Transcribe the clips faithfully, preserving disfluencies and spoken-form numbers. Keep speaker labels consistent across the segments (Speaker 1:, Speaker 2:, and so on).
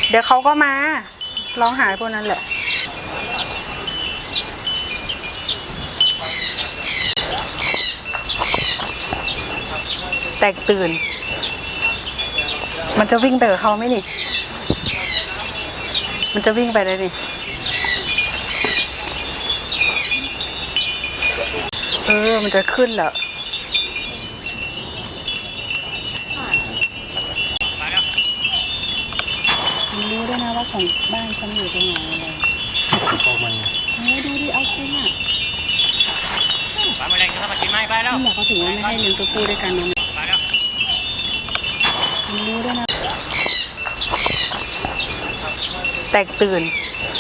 Speaker 1: เดี๋ยวเขาก็มาร้องหาพวกนั้นแหละแตกตื่นมันจะวิ่งไปกับเขาไหมนี่มันจะวิ่งไปได้นี่เออมันจะขึ้นแล้วรู้ด้วยนะว่าของบ้านฉันอยู่ตรงไหนอะไรพวกมันเฮ้ยดูดิเอาจริงอ่ะปลาแมลงจะทำมากินไหมไปแล้วนี่แหละเขาถึงว่าไม่ให้เลี้ยงตัวผู้ด้วยกันนะไปแล้วรู้ด้วยนะแตกตื่น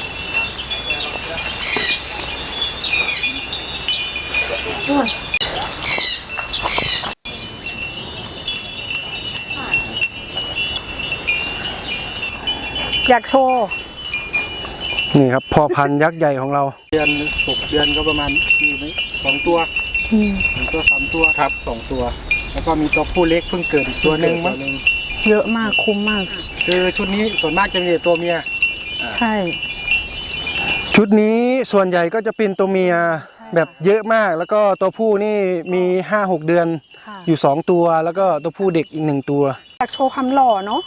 Speaker 1: อยากโชว์
Speaker 2: นี่ครับพอพันยักษ์ใหญ่ของเราเดือนหกเดือนก็ประมาณมีไหมสองตัวหนึ่งตัวสามตัวครับสองตัวแล้วก็มีตัวผู้เล็กเพิ่งเกิดอีกตัวหนึ่งมั้ง
Speaker 1: เยอะมากคุ้มมาก
Speaker 2: คือชุดนี้ส่วนมากจะมีตัวเมีย
Speaker 1: ใช่
Speaker 2: ชุดนี้ส่วนใหญ่ก็จะเป็นตัวเมียแบบเยอะมากแล้วก็ตัวผู้นี่มีห้าหกเดือนอยู่สองตัวแล้วก็ตัวผู้เด็กอีกหนึ่งตัว
Speaker 1: อยากโชว์ความหล่อเนาะ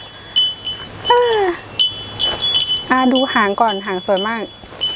Speaker 1: อ่าดูหางก่อนหางสวยมาก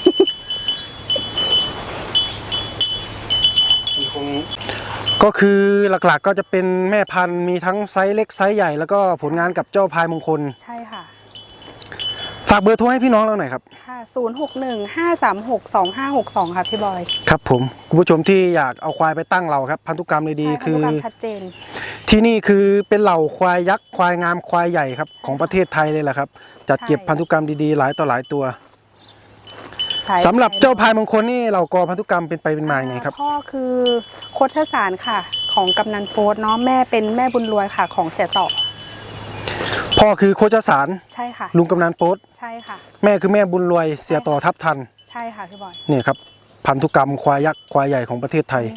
Speaker 2: ก็คือหลักๆก็จะเป็นแม่พันธุ์มีทั้งไซส์เล็กไซส์ใหญ่แล้วก็ผลงานกับเจ้าพายมงคล
Speaker 1: ใช่ค่ะ
Speaker 2: ฝากเบอร์โทรให้พี่น้องเราหน่อยครับ
Speaker 1: ค่ะศูนย์หกหนึ่งห้าสามหกสองห้าหกสองค่ะพี่บอย
Speaker 2: ครับผมคุณผู้ชมที่อยากเอาควายไปตั้งเราครับพันธุกรรมดีๆคือพันธุกรรม
Speaker 1: ชัดเจน
Speaker 2: ที่นี่คือเป็นเหล่าควายยักษ์ควายงามควายใหญ่ครับของประเทศไทยเลยแหละครับจัดเก็บพันธุกรรมดีๆหลายต่อหลายตัวสำหรับเจ้าพายมงคลนี่เรากอพันธุกรรมเป็นไปเป็นมาไงครับ
Speaker 1: พ่อคือโคชสารค่ะของกำนันโป๊ตเนาะแม่เป็นแม่บุญรวยค่ะของเสียต่อ
Speaker 2: พ่อคือโคชสาร
Speaker 1: ใช่ค่ะ
Speaker 2: ลุงกำนันโป๊ต
Speaker 1: ใช่ค่ะ
Speaker 2: แม่คือแม่บุญรวยเสียต่อทับทัน
Speaker 1: ใช่ค่ะพี่บอย
Speaker 2: นี่ครับพันธุกรรมควายยักษ์ควายใหญ่ของประเทศไทย